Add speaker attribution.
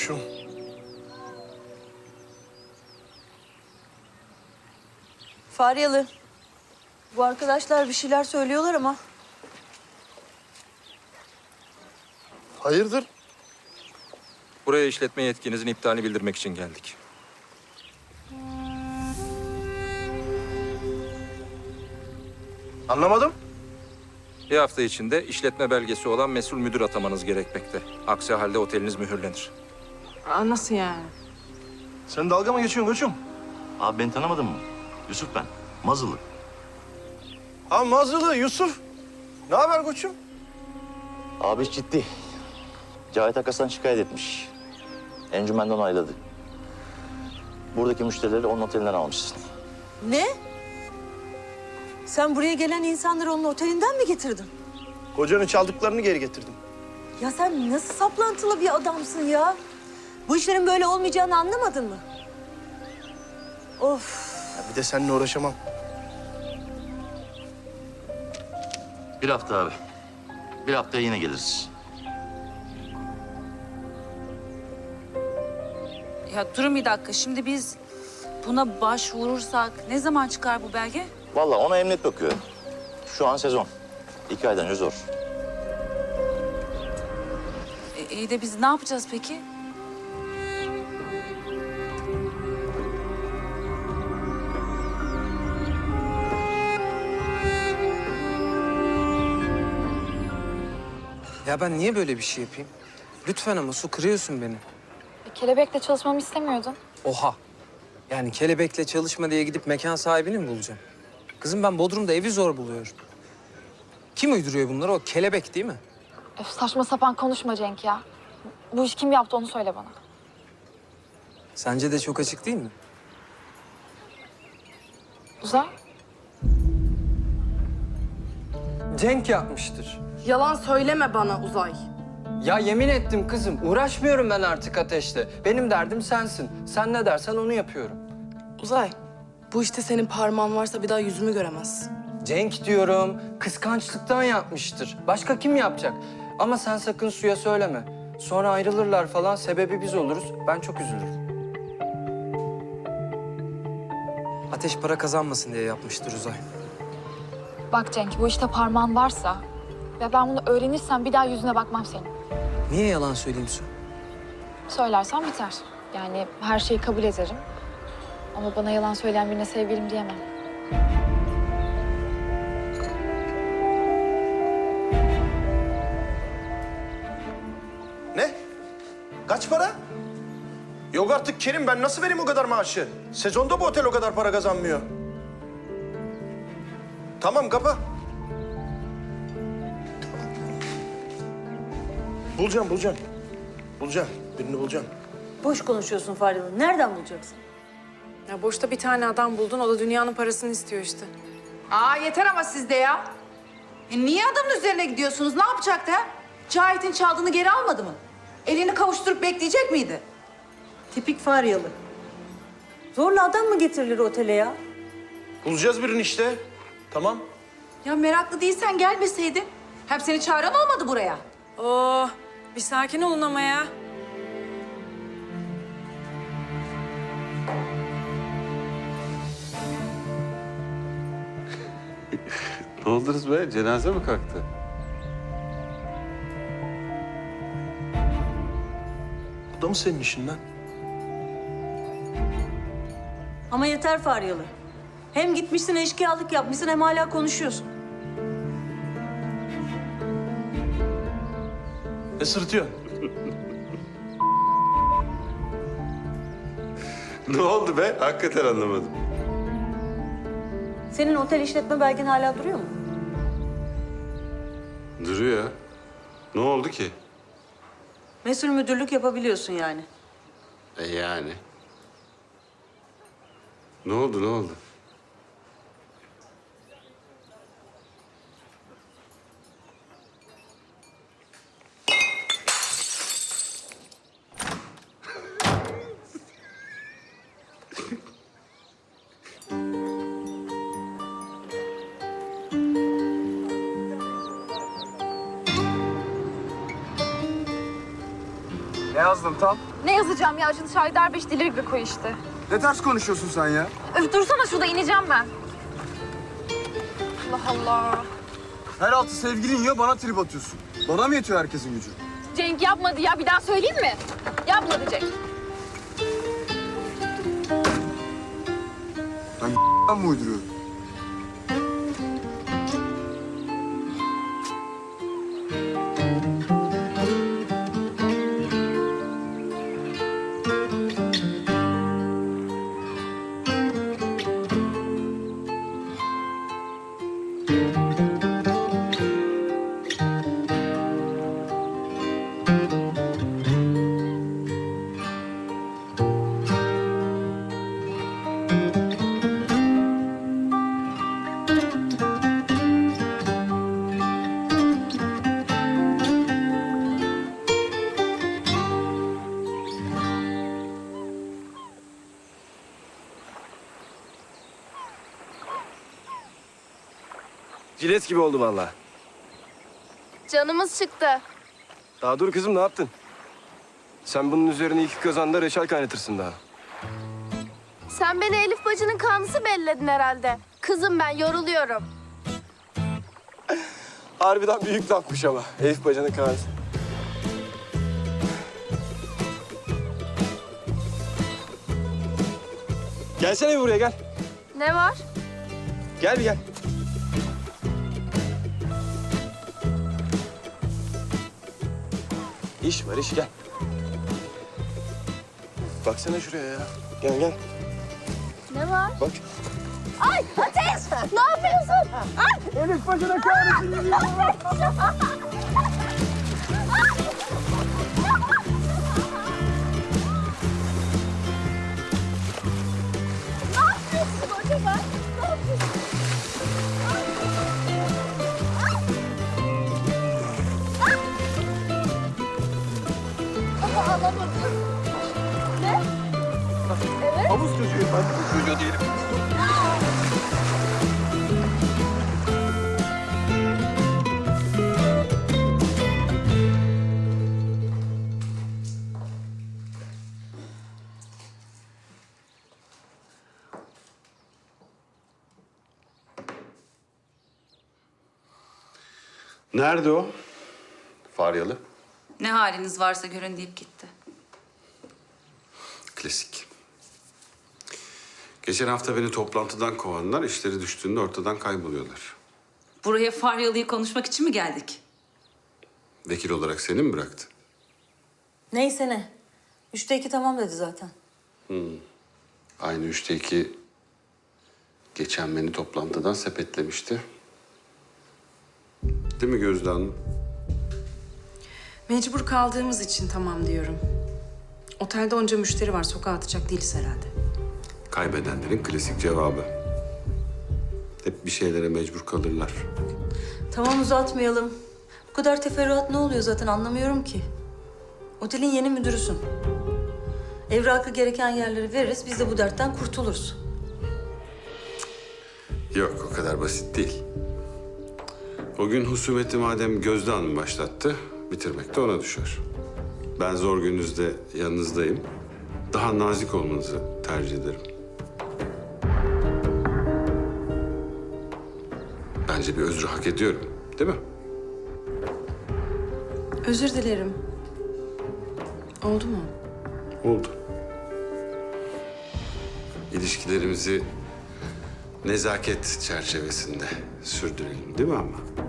Speaker 1: koçum.
Speaker 2: Faryalı. Bu arkadaşlar bir şeyler söylüyorlar ama
Speaker 1: Hayırdır?
Speaker 3: Buraya işletme yetkinizin iptalini bildirmek için geldik.
Speaker 1: Anlamadım.
Speaker 3: Bir hafta içinde işletme belgesi olan mesul müdür atamanız gerekmekte. Aksi halde oteliniz mühürlenir.
Speaker 4: Nasıl yani?
Speaker 1: Sen dalga mı geçiyorsun koçum?
Speaker 5: Abi beni tanımadın mı? Yusuf ben. Mazılı.
Speaker 1: Ha Mazlılı Yusuf. Ne haber koçum?
Speaker 5: Abi iş ciddi. Cahit Akas'tan şikayet etmiş. Encümenden onayladı. Buradaki müşterileri onun otelinden almışsın.
Speaker 2: ne? Sen buraya gelen insanları onun otelinden mi getirdin?
Speaker 1: Kocanın çaldıklarını geri getirdim.
Speaker 2: Ya sen nasıl saplantılı bir adamsın ya? Bu işlerin böyle olmayacağını anlamadın mı? Of.
Speaker 1: Ya bir de seninle uğraşamam.
Speaker 5: Bir hafta abi. Bir haftaya yine geliriz.
Speaker 6: Ya durun bir dakika. Şimdi biz buna başvurursak ne zaman çıkar bu belge?
Speaker 5: Vallahi ona emniyet bakıyor. Şu an sezon. 2 aydan önce zor.
Speaker 6: İyi de biz ne yapacağız peki?
Speaker 7: Ya ben niye böyle bir şey yapayım? Lütfen ama Su, kırıyorsun beni.
Speaker 8: Kelebekle çalışmamı istemiyordun.
Speaker 7: Oha. Yani kelebekle çalışma diye gidip mekan sahibini mi bulacağım? Kızım ben Bodrum'da evi zor buluyorum. Kim uyduruyor bunları? O kelebek değil mi?
Speaker 8: Öf, saçma sapan konuşma Cenk ya. Bu iş kim yaptı onu söyle bana.
Speaker 7: Sence de çok açık değil mi?
Speaker 8: Uzay.
Speaker 9: Cenk yapmıştır.
Speaker 4: Yalan söyleme bana Uzay.
Speaker 9: Ya yemin ettim kızım, uğraşmıyorum ben artık ateşle. Benim derdim sensin. Sen ne dersen onu yapıyorum.
Speaker 4: Uzay, bu işte senin parmağın varsa bir daha yüzümü göremezsin.
Speaker 9: Cenk diyorum, kıskançlıktan yapmıştır. Başka kim yapacak? Ama sen sakın Su'ya söyleme. Sonra ayrılırlar falan, sebebi biz oluruz. Ben çok üzülürüm.
Speaker 7: Ateş para kazanmasın diye yapmıştır Uzay.
Speaker 8: Bak Cenk, bu işte parmağın varsa ve ben bunu öğrenirsem bir daha yüzüne bakmam senin.
Speaker 7: Niye yalan söyleyeyim Su?
Speaker 8: Söylersen biter. Yani her şeyi kabul ederim. Ama bana yalan söyleyen birine sevgilim diyemem.
Speaker 1: Ne? Kaç para? Yok artık Kerim, ben nasıl vereyim o kadar maaşı? Sezonda bu otel o kadar para kazanmıyor. Tamam, kapa. Bulacağım. Bulacağım. Birini bulacağım.
Speaker 2: Boş konuşuyorsun Faryalı. Nereden bulacaksın?
Speaker 4: Ya boşta bir tane adam buldun, o da dünyanın parasını istiyor işte.
Speaker 10: Aa yeter ama siz de ya. Niye adamın üzerine gidiyorsunuz? Ne yapacaktı ha? Cahit'in çaldığını geri almadı mı? Elini kavuşturup bekleyecek miydi?
Speaker 2: Tipik Faryalı. Zorla adam mı getirilir otele ya?
Speaker 1: Bulacağız birini işte. Tamam.
Speaker 10: Ya meraklı değilsen gelmeseydin. Hem seni çağıran olmadı buraya.
Speaker 4: Oo, bir sakin olun ama ya.
Speaker 11: Ne oldunuz be? Cenaze mi kalktı?
Speaker 1: Bu da mı senin işin lan?
Speaker 2: Ama yeter Faryalı. Hem gitmişsin eşkıyalık yapmışsın hem hala konuşuyorsun.
Speaker 1: Ne sırıtıyorsun?
Speaker 11: Ne oldu be? Hakikaten anlamadım.
Speaker 2: Senin otel işletme belgen hala duruyor mu?
Speaker 11: Duruyor. Ne oldu ki?
Speaker 2: Mesul müdürlük yapabiliyorsun yani.
Speaker 11: Yani. Ne oldu?
Speaker 12: yazdın tam?
Speaker 8: Ne yazacağım ya? Acılı Şahidar 5 dili koy işte.
Speaker 12: Ne ters konuşuyorsun sen ya?
Speaker 8: Öf dursana şurada ineceğim ben. Allah Allah.
Speaker 12: Her altı sevgilin yiyor, bana trip atıyorsun. Bana mı yetiyor herkesin gücü?
Speaker 8: Cenk yapmadı ya. Bir daha söyleyeyim mi? Yapmadı Cenk.
Speaker 12: Ben mi uyduruyorum?
Speaker 13: Cilet gibi oldu vallahi.
Speaker 8: Canımız çıktı.
Speaker 13: Daha dur kızım, ne yaptın? Sen bunun üzerine 2 kazanda reçel kaynatırsın daha.
Speaker 8: Sen beni Elif bacının kanlısı belledin herhalde. Kızım ben yoruluyorum.
Speaker 13: Harbiden büyük lafmış ama. Elif bacının kanısı. Gelsene bir buraya, gel.
Speaker 8: Ne var?
Speaker 13: Gel bir gel. İş var, iş, gel. Baksana şuraya ya. Gel gel.
Speaker 8: Ne var?
Speaker 13: Bak.
Speaker 8: Ay Ateş! Ne yapıyorsun? Ay!
Speaker 12: Elif bacına kahretsin.
Speaker 8: Ne yapıyorsun acaba? Ne yapıyorsun? Ağlamadım. Ne? Evet.
Speaker 13: Havuz çocuğu, ben bu çocuğu değilim.
Speaker 11: Nerede o? Faryalı.
Speaker 6: Ne haliniz varsa görün deyip gitti.
Speaker 11: Klasik. Geçen hafta beni toplantıdan kovanlar, işleri düştüğünde ortadan kayboluyorlar.
Speaker 6: Buraya Faryalı'yı konuşmak için mi geldik?
Speaker 11: Vekil olarak seni mi bıraktı?
Speaker 2: Neyse ne. 3'te 2 tamam dedi zaten.
Speaker 11: Aynı 3'te 2 geçen beni toplantıdan sepetlemişti. Değil mi Gözde Hanım?
Speaker 4: Mecbur kaldığımız için tamam diyorum. Otelde onca müşteri var. Sokağa atacak değiliz herhalde.
Speaker 11: Kaybedenlerin klasik cevabı. Hep bir şeylere mecbur kalırlar.
Speaker 2: Tamam uzatmayalım. Bu kadar teferruat ne oluyor zaten anlamıyorum ki. Otelin yeni müdürüsün. Evrakı gereken yerleri veririz, biz de bu dertten kurtuluruz.
Speaker 11: Yok, o kadar basit değil. O gün husumeti madem Gözde Hanım başlattı, bitirmek de ona düşer. Ben zor gününüzde yanınızdayım. Daha nazik olmanızı tercih ederim. Bence bir özrü hak ediyorum, değil mi?
Speaker 4: Özür dilerim. Oldu mu?
Speaker 11: Oldu. İlişkilerimizi nezaket çerçevesinde sürdürelim, değil mi ama?